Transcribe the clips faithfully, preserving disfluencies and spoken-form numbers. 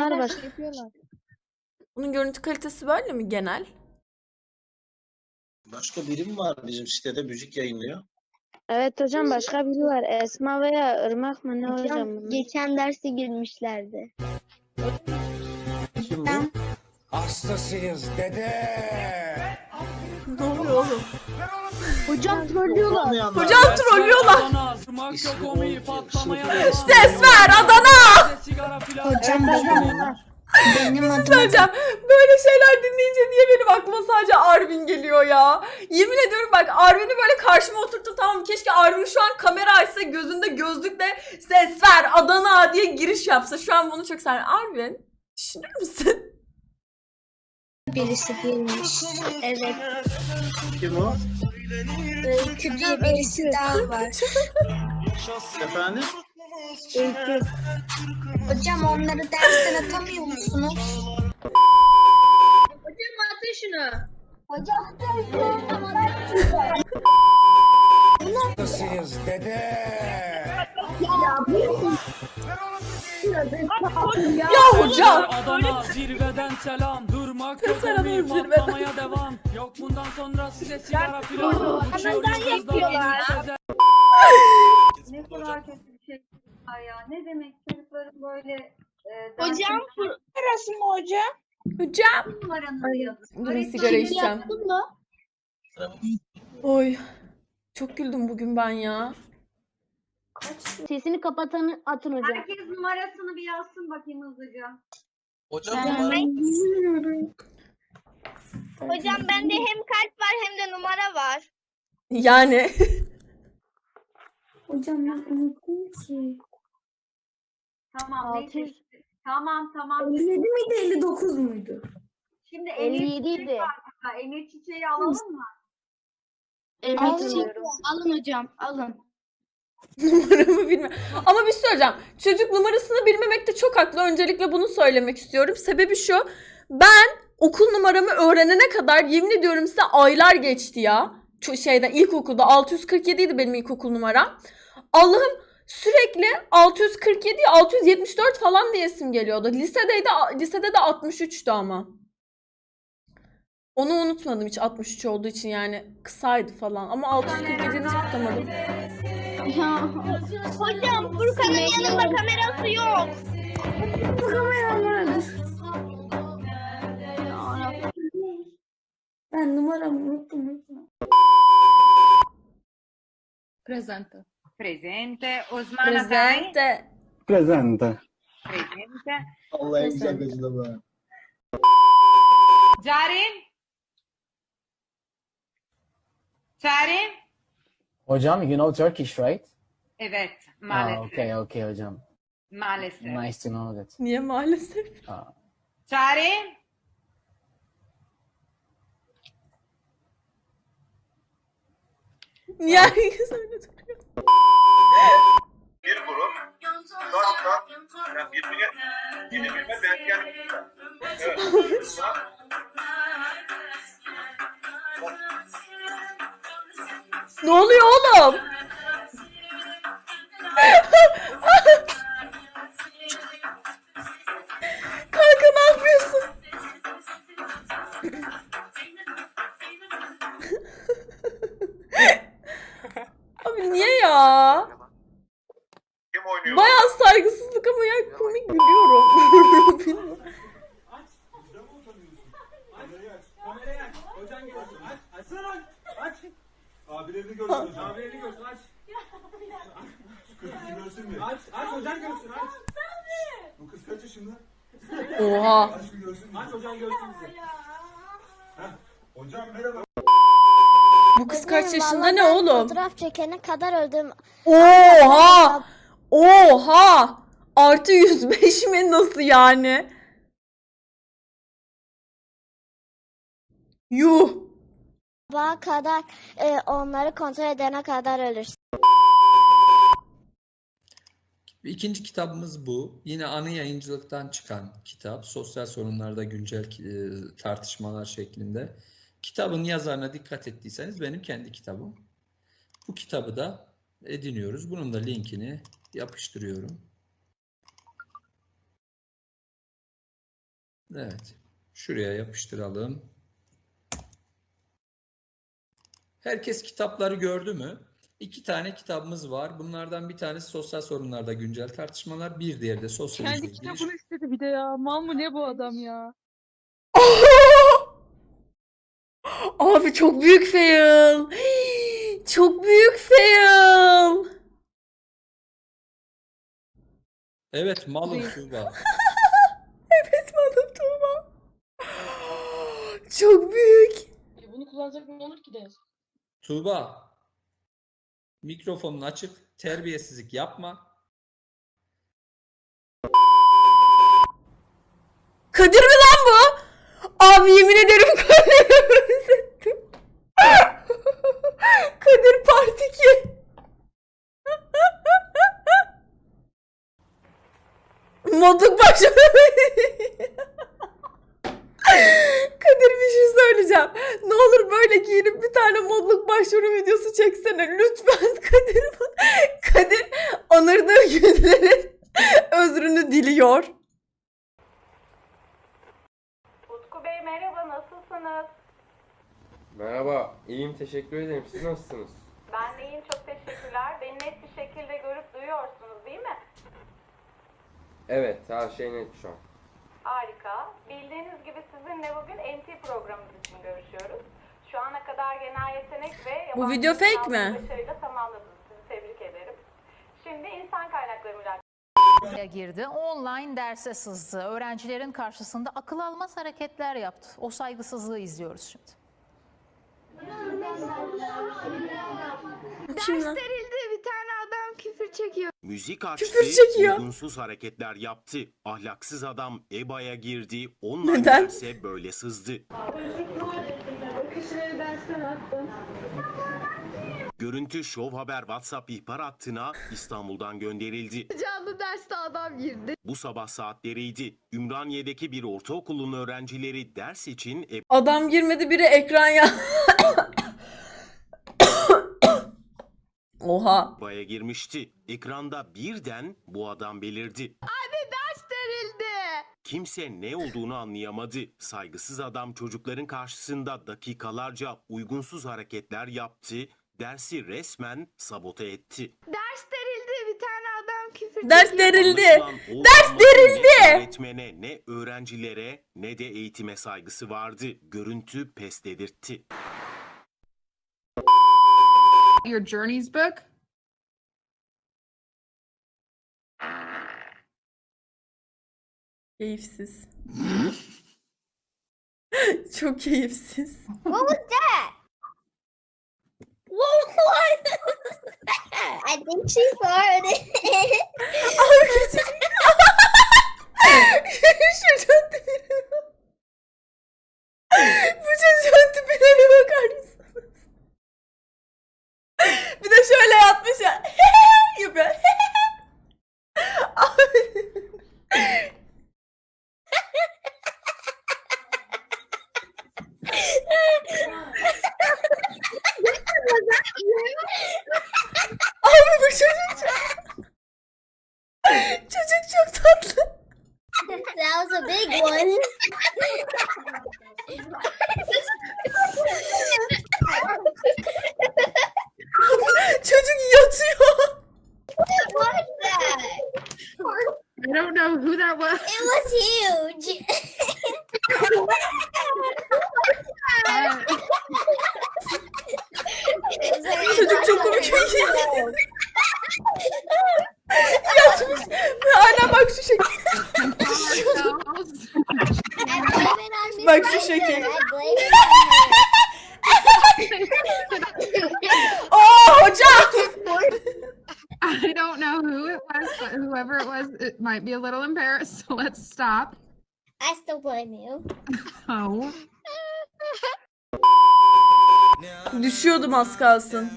Bunlar başka yapıyorlar. Bunun görüntü kalitesi böyle mi genel? Başka birim var bizim sitede müzik yayınlıyor. Evet hocam başka biri var. Esma veya Irmak mı ne hocam? Hocam bunlar? geçen derse girmişlerdi. Kim bu? Hastasıyız dede. Ne oluyor oğlum? Hocam trollüyorlar. Olmayanlar. Hocam trollüyorlar. İsmi o- Ses ver Adana! Hocam benim, benim adım Söyleyeceğim. Böyle şeyler dinleyince niye benim aklıma sadece Arvin geliyor ya? Yemin ediyorum bak Arvin'i böyle karşıma oturttum, tamam mı? Keşke Arvin şu an kamera açsa, gözünde gözlükle ses ver Adana diye giriş yapsa. Şu an bunu çok sever. Arvin düşünür müsün? birisi girmiş. Evet. Kim o? Öykü diye birisi daha var. Efendim? Öykü. Hocam onları dersten atamıyor musunuz? Hocam atın şunu. Hocam Hastasıyız dede. Ya hocam. Adana zirveden selam. Durmak yok Selam, omi zirveden. patlamaya devam. Yok bundan sonra size sigara filan. Uçuyoruz yapıyorlar. hızla. Ne kadar kötü bir şey var ya. Ne demek çocukların böyle e, Hocam burası mı hocam? Hocam. Numaranızı yazın. Durun sigara içeceğim. mı? Oy. Çok güldüm bugün ben ya. Sesini kapatan atın hocam. Herkes numarasını bir yazsın bakayım hızlıca. Hocam Hocam bende hem kalp var hem de numara var. Yani. Hocam ben unuttum ki. Tamam Altı neyse. yüz. Tamam tamam. elli yedi miydi elli dokuz muydu? Şimdi elli Emir yedi Çiçek idi. var burada. Emir Çiçek'i alalım mı? Evet Alın, hatırlıyorum. alın hocam alın. Numaramı bilmiyorum. Ama bir şey söyleyeceğim. Çocuk numarasını bilmemekte çok haklı. Öncelikle bunu söylemek istiyorum. Sebebi şu. Ben okul numaramı öğrenene kadar yemin ediyorum size aylar geçti ya. Şu şeyden ilkokulda altı yüz kırk yedi idi benim ilkokul numaram. Allah'ım sürekli altı yüz kırk yedi, altı yüz yetmiş dört falan diyesim geliyordu. Lisedeydi, lisede de altmış üçtü ama. Onu unutmadım hiç altmış üç olduğu için, yani kısaydı falan. Ama altı yüz kırk yediyi nasıl tutamadım? Hocam Furkan'ın yanında kamerası yok. Ben numaramı unuttum. Presente. Presente. Osmana Tay. Presente. Presente. Presente. Allah en güzel gözüne bak. Carin. Carin. Hocam, you know Turkish, right? Evet. Ah, Maalesef. okay, okay hocam. Maalesef. Nice to know that. Niye maalesef? Ah, Carin. Niye herkes öyle duruyor? Bir grup dört kat yani birbirine birbirine benzeyen evet. Ne oluyor oğlum? Kanka ne yapıyorsun? Abi niye ya? Kim oynuyor? Bayağı saygısızlık ama ya komik gülüyorum. Bilmiyorum. Abilerini görsün hocam. Abilerini görsün aç. Şu kızı görsün mü? Aç, aç hocam görsün aç. Bu kız kaç yaşında? Oha. Aç bir görsün. Aç hocam görsün bizi. Heh. Hocam merhaba. Bu kız kaç yaşında ne oğlum? Fotoğraf çekene kadar öldüm. Oha! Oha! Artı yüz beş mi, nasıl yani? Yuh! Sabaha kadar e, onları kontrol edene kadar ölürsün. İkinci kitabımız bu. Yine Anı Yayıncılık'tan çıkan kitap. Sosyal sorunlarda güncel e, tartışmalar şeklinde. Kitabın yazarına dikkat ettiyseniz benim kendi kitabım. Bu kitabı da ediniyoruz. Bunun da linkini yapıştırıyorum. Evet. Şuraya yapıştıralım. Herkes kitapları gördü mü? İki tane kitabımız var. Bunlardan bir tanesi sosyal sorunlarda güncel tartışmalar. Bir diğeri de sosyolojide Kendi giriş. kitabını istedi bir de ya. Mal mı ne bu adam ya? Abi çok büyük fail. Çok büyük fail. Evet, malum Tuğba. Evet malum Tuğba. Çok büyük. E bunu kullanacak ne olur ki de? Tuğba. Mikrofonun açık. Terbiyesizlik yapma. Kadir mi lan bu? Abi yemin ederim Kadir'i benzettim. Kadir Part iki. Modluk başladı. Kadir bir şey söyleyeceğim. Ne olur böyle giyinip bir tane modluk başvuru videosu çeksene. Lütfen Kadir. Kadir anırdığı günlerin özrünü diliyor. Utku Bey merhaba, nasılsınız? Merhaba, iyiyim teşekkür ederim. Siz nasılsınız? Ben de iyiyim, çok teşekkürler. Beni net bir şekilde görüp duyuyorsunuz değil mi? Evet, her şey net şu an. Harika. Bildiğiniz gibi sizinle bugün N T programımız için görüşüyoruz. Şu ana kadar genel yetenek ve Bu yabancı video dil fake sınavını mi? başarıyla tamamladınız. Sizi tebrik ederim. Şimdi insan kaynakları mülakatı girdi. Online derse sızdı. Öğrencilerin karşısında akıl almaz hareketler yaptı. O saygısızlığı izliyoruz şimdi. Kim lan? bir tane adam küfür çekiyor. Müzik açtı, Küfür çekiyor. uygunsuz hareketler yaptı. Ahlaksız adam E B A'ya girdi, online Neden? derse böyle sızdı. Görüntü Show Haber WhatsApp ihbar hattına İstanbul'dan gönderildi. Canlı derste adam girdi. Bu sabah saatleriydi. Ümraniye'deki bir ortaokulun öğrencileri ders için E Adam girmedi biri ekran ya. Oha. B A'ya girmişti. Ekranda birden bu adam belirdi. Abi ders verildi. Kimse ne olduğunu anlayamadı. Saygısız adam çocukların karşısında dakikalarca uygunsuz hareketler yaptı. Dersi resmen sabote etti. Ders verildi, bir tane adam küfür Ders verildi. Anlaşılan o Ders adamın verildi. Ne öğretmene, ne öğrencilere, ne de eğitime saygısı vardı. Görüntü pes dedirtti. Your Journeys book? Keyifsiz. Çok keyifsiz. What was that? What was I think she farted. Abi küçük. Şu çocuğun tipine bak. Bu çocuğun tipine bir bakar mısınız? Bir de şöyle yatmış ya. Yapıyor. Abi. Abi bu çocuk çok... Çocuk çok tatlı. That was a big one. Çocuk yatıyor. What was that? I don't know who that was. It was huge. Çocuk çok komik. Yatmış. Ve hala bak şu şekil. Bak şu şekil. Oh hocam. I don't know who it was, but whoever it was, it might be a little embarrassed, so let's stop. I still blame you. Oh. Düşüyordum az kalsın.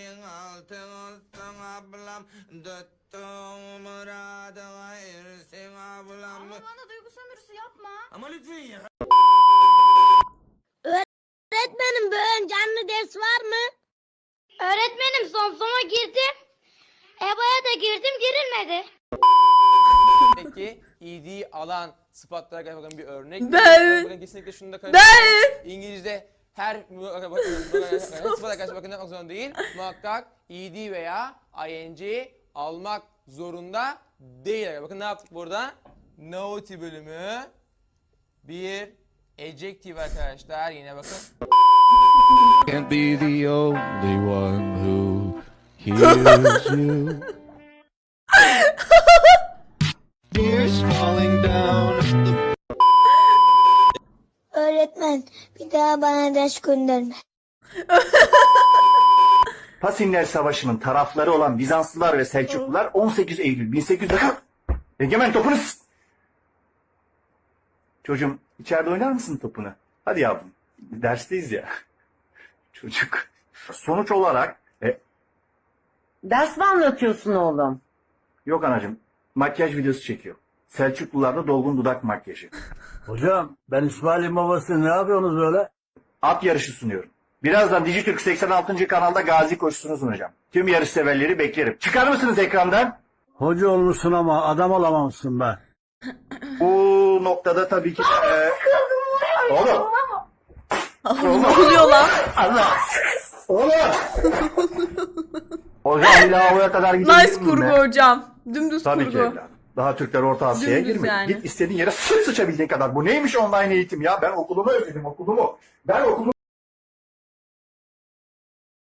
Ama bana duygu sömürüsü yapma. Ama lütfen ya. Öğretmenim bugün canlı ders var mı? Öğretmenim son sona girdim. E B A'ya da girdim, girilmedi. Peki E D alan sıfatlara karşı bakın bir örnek. Ben- Bakın kesinlikle şunu da Ben- İngilizce her sıfata karşı bakın yapmak zorunda değil. Muhakkak E D veya I N G almak zorunda değil. Bakın ne yaptık burada? Naughty bölümü bir adjective arkadaşlar. Yine bakın. Can't be the only one who hears you. Tears falling down the... Öğretmen bir daha bana ders gönderme. Pasinler Savaşı'nın tarafları olan Bizanslılar ve Selçuklular on sekiz Eylül bin sekiz yüz... Egemen topunu... s- Çocuğum içeride oynar mısın topunu? Hadi yavrum. Dersteyiz ya. Çocuk. Sonuç olarak... E, Ders mi anlatıyorsun oğlum? yok anacığım. Makyaj videosu çekiyor. Selçuklularda dolgun dudak makyajı. Hocam ben İsmail'in babası, ne yapıyorsunuz böyle? At yarışı sunuyorum. Birazdan Dijitürk seksen altıncı kanalda gazi koşusunu sunacağım. Tüm yarış severleri beklerim. Çıkar mısınız ekrandan? Hoca olmuşsun ama adam olamamışsın be. Bu noktada tabii ki... E, oğlum. Ne oluyor lan? Allah. Oğlum. Hocam bir lavaboya kadar gidelim. Nice kurgu hocam. Dümdüz Tabii kurgu. ki evladım. Daha Türkler Orta Asya'ya Dümdüz girmedi. yani. Git istediğin yere sıç sıçabildiğin kadar. Bu neymiş online eğitim ya? Ben okulumu özledim okulumu. Ben okulumu